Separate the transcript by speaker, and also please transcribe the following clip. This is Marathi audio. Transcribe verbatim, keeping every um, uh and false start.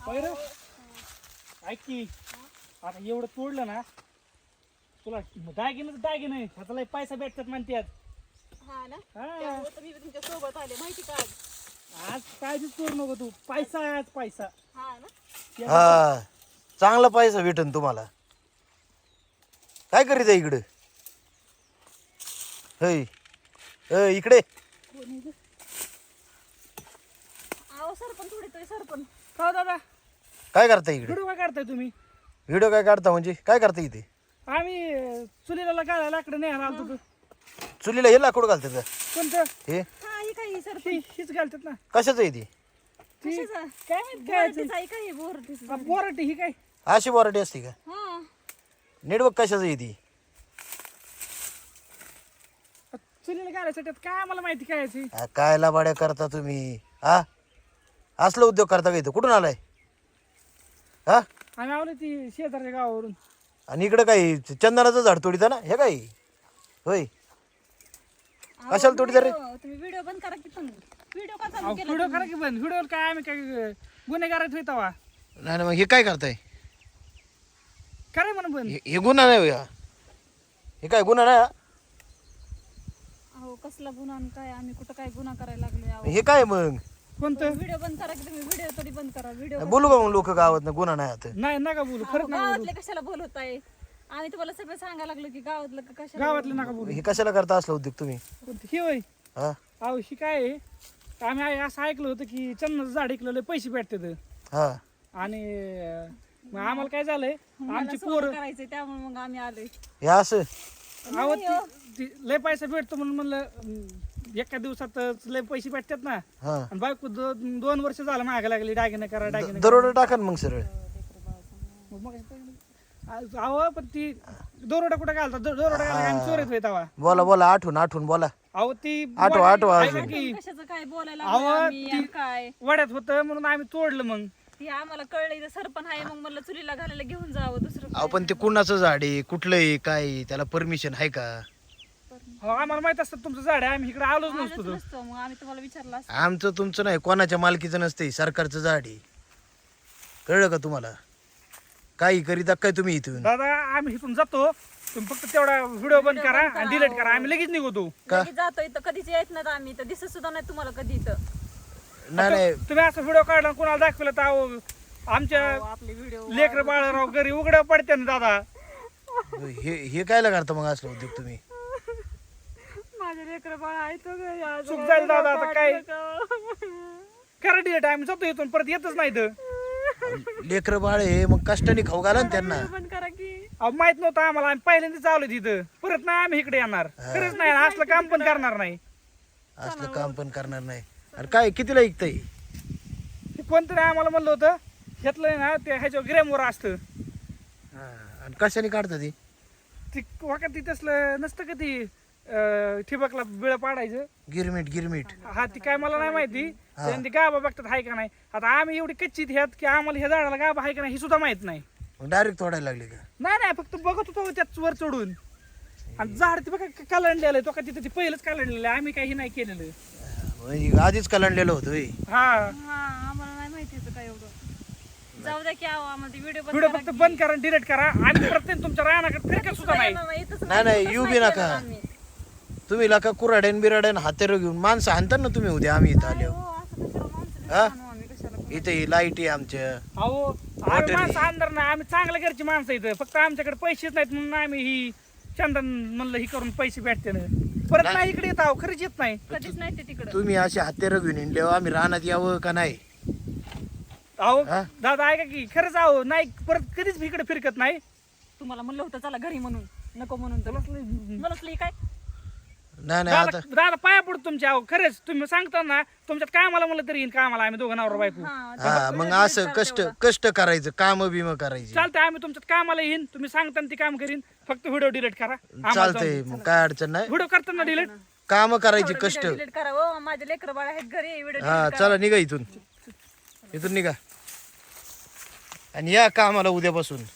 Speaker 1: पहिलं ऐक की आता एवढं तोडलं ना तुला दागिने दागिने ह्याचा लय पैसा भेटतात म्हणतात.
Speaker 2: हा ना
Speaker 1: हा.
Speaker 2: त्यामुळे तर मी तुमच्या सोबत आले माहिती का आज?
Speaker 1: आज काळजीच करू नको तू पैसा आहे आज पैसा.
Speaker 2: हा ना
Speaker 3: हा चांगला पैसा भेटन तुम्हाला. काय करीत आहे इकडे? होय अ, इकडे
Speaker 2: अहो सरपण थोडी तरी सरपण
Speaker 1: का दादा
Speaker 3: काय करता इकडे?
Speaker 1: व्हिडिओ काय काढताय तुम्ही?
Speaker 3: व्हिडिओ काय काढता म्हणजे काय करता इथे?
Speaker 1: आम्ही अं, चुलीला गाळा लाकडं न्यायला आलतो तू.
Speaker 3: चुलीला हे लाकूड घालतात का?
Speaker 1: कोणतं
Speaker 3: हे
Speaker 2: हा ही काय सरपण
Speaker 1: ही हीच घालतात ना
Speaker 3: कशाचं आहे ती?
Speaker 1: ती
Speaker 2: कशाचं?
Speaker 1: काय माहित काय
Speaker 2: बोरटीचं आहे का हे बोरटीचं?
Speaker 1: आ, बोराटी ही काय
Speaker 3: अशी वराठी असते का?
Speaker 2: हा
Speaker 3: नेटवर्क कशाचं आहे ती?
Speaker 1: आ, चुलीला गाळायसाठी आता काय आम्हाला माहिती काय आहे ती?
Speaker 3: हा, काय लाबाड्या करता तुम्ही? हा असलं उद्योग करता का इथं? कुठून आलाय? हा
Speaker 1: आम्ही आलो ती शेजारच्या गावावरून.
Speaker 3: आणि इकडं काही चंदनाचं झाड तोडीता ना हे काय होय?
Speaker 2: अहो,
Speaker 3: कशाला तोडीता रे?
Speaker 2: व्हिडिओ- तुम्ही व्हिडिओ बंद करा की पण व्हिडिओ का चालू
Speaker 1: अहो,
Speaker 2: केला
Speaker 1: व्हिडिओ
Speaker 2: तुम्ही?
Speaker 1: करा की बंद व्हिडिओ काय आम्ही काय अं, गुन्हेगारात होता
Speaker 3: नाही ना मग हे काय करताय?
Speaker 1: खरं म्हणून बंद
Speaker 3: हे हे गुन्हा नाही होय हा. हे काय गुन्हा नाही हा?
Speaker 2: अहो कसला गुन्हा आणि काय आम्ही कुठं काय गुन्हा करायला लागलोय अहो.
Speaker 3: हे काय मग?
Speaker 1: कोणतं
Speaker 2: व्हिडिओ बंद करा की तुम्ही व्हिडिओ तरी बंद करा व्हिडिओ
Speaker 3: बोलू का मग लोक गावात गुन्हा नाही आता?
Speaker 1: नाही नका बोलू खरंच नका बोलू
Speaker 2: गावातले कशाला बोलवताय? आम्ही तुम्हाला सगळं सांगायला लागलो की गावातलं का कशाला
Speaker 1: गावातलं नका बोलू
Speaker 3: हे कशाला करता असलं उद्योग तुम्ही?
Speaker 1: कोणतं? ही होय
Speaker 3: हा
Speaker 1: अहो ही काय आहे? आम्ही आ- असं ऐकलं होतं की चंदनाचं झाड ऐकलं पैसे भेटतात
Speaker 3: हा
Speaker 1: आणि अं, मग आम्हाला काय झालंय
Speaker 2: मला
Speaker 1: आमची
Speaker 2: सोनं
Speaker 1: पोरं
Speaker 2: करायचंय त्यामुळे मग आम्ही आलोय.
Speaker 3: हे असं
Speaker 1: अहो ती- ती लय पैसा भेटतो म्हणून म्हणलं अं, एका दिवसातच लय पैसे भेटतात ना.
Speaker 3: हा
Speaker 1: आणि बायको दो- दोन वर्ष झालं मागे लागली दागिने करा दागिने
Speaker 3: दरोडा टाका ना मग सरळ.
Speaker 1: मग मग आ- अहो पण ती दोरोडा कुठं घालतात दो- दोरोडा घालायला आम्ही चोरीत होय तेव्हा.
Speaker 3: बोला बोला आठवून आठवून बोला.
Speaker 1: अहो ती
Speaker 3: आठवा, आठवा
Speaker 1: ऐका
Speaker 3: अजून.
Speaker 1: की,
Speaker 2: कशाचं काय बोलायला
Speaker 1: अहो,
Speaker 2: लागलोय आम्ही
Speaker 1: ती-
Speaker 2: आणि काय
Speaker 1: वड्यात होतं म्हणून आम्ही तोडलं मग.
Speaker 2: ती आम्हाला कळलं इथं सरपण आहे मग म्हणलं चुलीला घालायला घेऊन जावं दुसरं
Speaker 3: अहो पण ते कुणाचं झाड आहे कुठलं आहे काय आहे? त्याला परमिशन आहे का?
Speaker 1: हो आम्हाला माहित असतं तुमचं झाड आहे आम्ही इकडे आलोच
Speaker 2: आलंच
Speaker 1: नसतो तो.
Speaker 2: नसतं मग आम्ही तुम्हाला विचारलं असतं.
Speaker 3: आमचं तुमचं नाही कोणाच्या मालकीचं नसते सरकारचं झाड आहे. कळलं का तुम्हाला? काही करीता काय तुम्ही इथून?
Speaker 1: दादा आम्ही इथून जातो तुम्ही फक्त तेवढा व्हिडिओ बंद करा आणि डिलीट करा आम्ही लगेच निघतो.
Speaker 3: का?
Speaker 2: लगेच जातो इथं कधीच येत नाही आम्ही इथं दिसत सुद्धा नाही तुम्हाला कधी इथं
Speaker 3: नाही नाही
Speaker 1: तुम्ही असं व्हिडिओ काढला आणि कोणाला दाखवलं तर अहो, आमच्या
Speaker 2: अहो, आपले व्हिडिओ
Speaker 1: लेकर बाळराव घरी उघड्या पडते ना दादा.
Speaker 3: हे हे कायला करता मग असलं उद्योग तुम्ही?
Speaker 2: माझे लेकर बाळ आहे तो घरी आज.
Speaker 1: चूक झाली दादा आता काय करा डिलीट आम्ही जातो इथून परत येतच नाही इथं.
Speaker 3: लेकर बाळ हे मग कष्टाने खाऊ घाला ना त्यांना.
Speaker 2: बंद करा की
Speaker 1: अहो माहित नव्हतं आम्हाला आम्ही पहिल्यांदाच आलो तिथं परत नाही आम्ही इकडे येणार खरंच नाही असलं काम पण करणार नाही.
Speaker 3: असलं काम पण करणार नाही. अरे काय कितीला ऐकतंय?
Speaker 1: हे कोणतरी आम्हाला म्हणलं होतं घेतलंय ना ते ह्याच्यावर ग्रॅमवर असतं
Speaker 3: हा, आणि कशाने काढता ती?
Speaker 1: ती वाका ती तसलं नसतं का ती अं, ठिबकला बिळ पाडायचं.
Speaker 3: गिरमीट गिरमीट
Speaker 1: हा ती काय मला नाही माहिती त्यांनी ती गाभा बघतात हाय का नाही. आता आम्ही एवढी कच्ची ह्यात की आम्हाला ह्या झाडाला गाभा हाय का नाही हे सुद्धा माहित नाही.
Speaker 3: मग डायरेक्ट तोडायला लागले का?
Speaker 1: नाही नाही फक्त बघत होतो त्याच वर चढून आणि झाड ते बघा कालंडलेलं आहे तो का तिथं ते पहिलंच कालंडलेलं आहे आम्ही काही नाही केलेलं.
Speaker 3: म्हणजे आधीच कलांडलेलं होतं होय.
Speaker 1: हा
Speaker 2: हा आम्हाला नाही माहिती इथं काय एवढं जाऊ द्या की आहो आम्हाला व्हिडिओ बंद
Speaker 1: व्हिडिओ
Speaker 2: करा
Speaker 1: फक्त
Speaker 2: की.
Speaker 1: बंद करा डिलीट करा आम्ही प्रत्येक तुमच्या रानाकडे फिरकत सुद्धा नाही.
Speaker 2: नाही, इथंच
Speaker 3: नाही, नाही,
Speaker 2: इथंच
Speaker 3: येऊ बी
Speaker 2: नाही
Speaker 3: नका.
Speaker 2: केलं आम्ही.
Speaker 3: तुम्ही लाका कुराड्यान बिराड्यान हातेर घेऊन माणसं आणता ना तुम्ही उद्या आम्ही इथं आलो.
Speaker 2: हो, असं कशाला माणसं
Speaker 3: हा?
Speaker 2: आणू आम्ही कशाला
Speaker 3: इथे लाईट आहे आमच्या.
Speaker 1: अहो आम्ही माणसं अंदर नाही आम्ही चांगल्या घरची माणसं इथं फक्त आमच्याकडे पैसेच नाहीत म्हणून आम्ही ही चंदन म्हणलं ही करून पैसे भेटते ना परत नाही इकडे येत आहो खरंच येत नाही.
Speaker 2: कधीच नाही ते तिकडं
Speaker 3: तुम्ही असे हातेर घेऊन हिंडल्यावर आम्ही रानात यावं का नाही?
Speaker 1: अहो
Speaker 3: हा?
Speaker 1: दादा ऐका की खरंच आहो नाही परत कधीच इकडे फिरकत नाही.
Speaker 2: तुम्हाला म्हणलं होतं चला घरी म्हणून नको म्हणून तर म्हणलं काय
Speaker 3: नाही नाही आता
Speaker 1: दादा दादा पाया पडतो तुमच्या अहो खरंच तुम्ही सांगता ना तुमच्यात कामाला म्हणलं तरी येईन कामाला आम्ही दोघं नवरा बायको.
Speaker 2: हा
Speaker 3: हा मग असं कष्ट कष्ट करायचं काम बिम करायची.
Speaker 1: चालतंय आम्ही तुमच्यात कामाला येईन तुम्ही सांगता ना ती काम करीन फक्त व्हिडिओ डिलीट करा.
Speaker 3: चालतंय मग काय अडचण नाही.
Speaker 1: व्हिडिओ करताना डिलीट
Speaker 3: काम करायची कष्ट.
Speaker 2: डिलीट करा हो माझे लेकर बाळ आहेत घरी व्हिडिओ
Speaker 3: हा चला निघा इथून इथून निघा आणि या कामाला उद्यापासून.